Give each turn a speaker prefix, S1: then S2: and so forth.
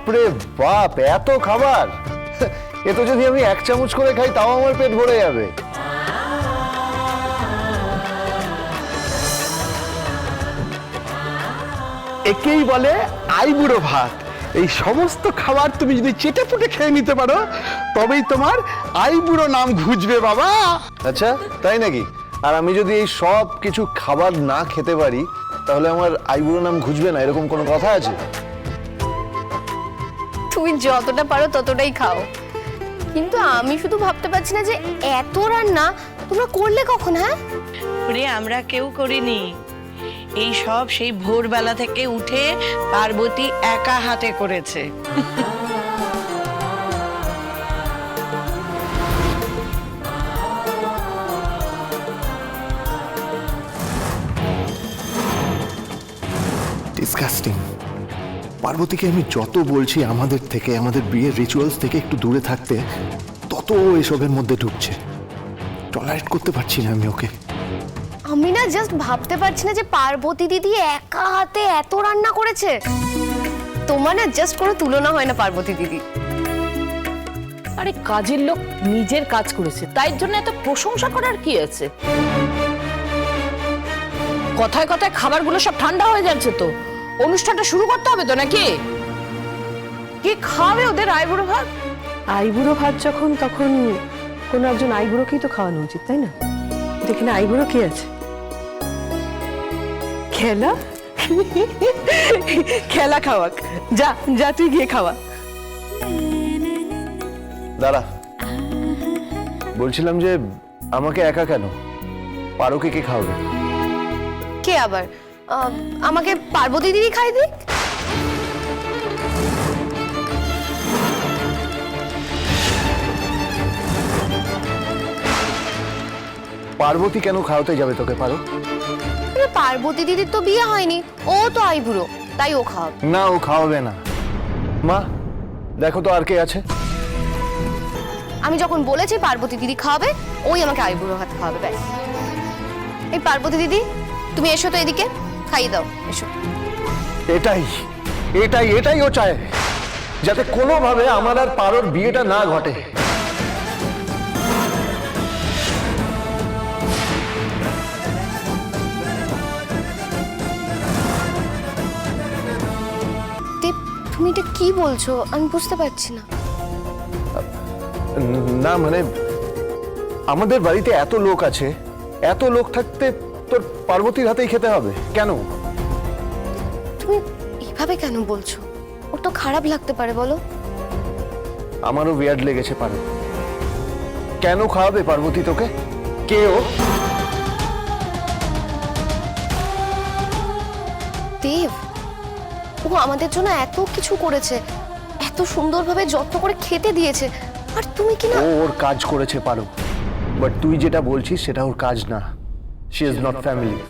S1: বাপরে বাপ, এত খাবার! এ তো যদি আমি 1 চামচ করে খাই তাও আমার পেট ভরে যাবে।
S2: একেই বলে আইবুড়ো ভাত। এই সমস্ত খাবার তুমি যদি চেটে পুটে খেয়ে নিতে পারো তবেই তোমার আইবুড়ো নাম ঘুচবে বাবা।
S1: আচ্ছা, তাই নাকি? আর আমি যদি এই সব কিছু খাবার না খেতে পারি তাহলে আমার আইবুড়ো নাম ঘুচবে না, এরকম কোনো কথা আছে?
S3: তুমি যতটা পারো ততটাই খাও, কিন্তু আমি শুধু ভাবতে পারছি না যে এত রান্না তোমরা করলে কখন? হ্যাঁ
S4: ওরে আমরা কেউ করিনি, এই সব সেই ভোরবেলা থেকে উঠে পার্বতী একা হাতে করেছে।
S2: ডিসকাস্টিং। পার্বতীকে আমি যত বলছি আমাদের থেকে, আমাদের বিয়ের রিচুয়ালস থেকে একটু দূরে থাকতে, তত এসবের মধ্যে ঢুকছে। টলারেট করতে পারছি না আমি ওকে।
S3: আমি না জাস্ট ভাবতে পারছি না যে পার্বতী দিদি একা হাতে এত রান্না করেছে। তোমার না জাস্ট কোনো তুলনা হয় না পার্বতী দিদি।
S5: আরে কাজের লোক নিজের কাজ করেছে, তাই জন্য এত প্রশংসা করার কি আছে? কথায় কথায় খাবারগুলো সব ঠান্ডা হয়ে যাচ্ছে তো, অনুষ্ঠানটা শুরু করতে হবে তো নাকি? কি খাবে ওদের আইবুড়ো ভাত?
S6: আইবুড়ো ভাত যখন, তখন কোনো একজন আইবুড়োকেই তো খাওয়ানো উচিত, তাই না? দেখি আইবুড়ো কি আছে? খেলা খেলা খাওয়াক। যা যা তুই গিয়ে খাওয়া।
S1: দাঁড়া, বলছিলাম যে আমাকে একা কেন, পারোকে কে খাওয়াবে?
S3: কে আবার? আমাকে পার্বতী দিদি খাই দিক।
S1: পার্বতী কেন খাওয়াতে যাবে তোকে পারো?
S3: পার্বতী দিদির তো বিয়ে হয়নি, ও তো আইবুড়ো, তাই ও খাওয়াবে।
S1: না, ও খাওয়াবে না। মা দেখো তো আর কে আছে।
S3: আমি যখন বলেছি পার্বতী দিদি খাওয়াবে, ওই আমাকে আইবুড়ো ভাত খাওয়াবে, ব্যাস। এই পার্বতী দিদি তুমি এসো তো এদিকে, খাইয়ে দাও, এসো।
S1: এটাই এটাই এটাই ও চায়, যাতে কোনোভাবে আমার আর পারোর বিয়েটা না ঘটে।
S3: দীপ, তুমি এটা কি বলছো? আমি বুঝতে পারছি না।
S1: না মানে, আমাদের বাড়িতে এত লোক আছে, এত লোক থাকতে তোর পার্বতীর হাতেই খেতে হবে কেন?
S3: তুমি এইভাবে কেন বলছো? ওর তো খারাপ লাগতে পারে, বলো।
S1: আমারও বিয়ার্ড লেগেছে পারো। কেন খাওয়াবে পার্বতী তোকে? কে ও?
S3: দেব, ও আমাদের জন্য এত কিছু করেছে, এত সুন্দরভাবে যত্ন করে খেতে দিয়েছে, আর তুমি কি না?
S1: ও ওর কাজ করেছে পারো, বাট তুই যেটা বলছিস সেটা ওর কাজ না। She is not family.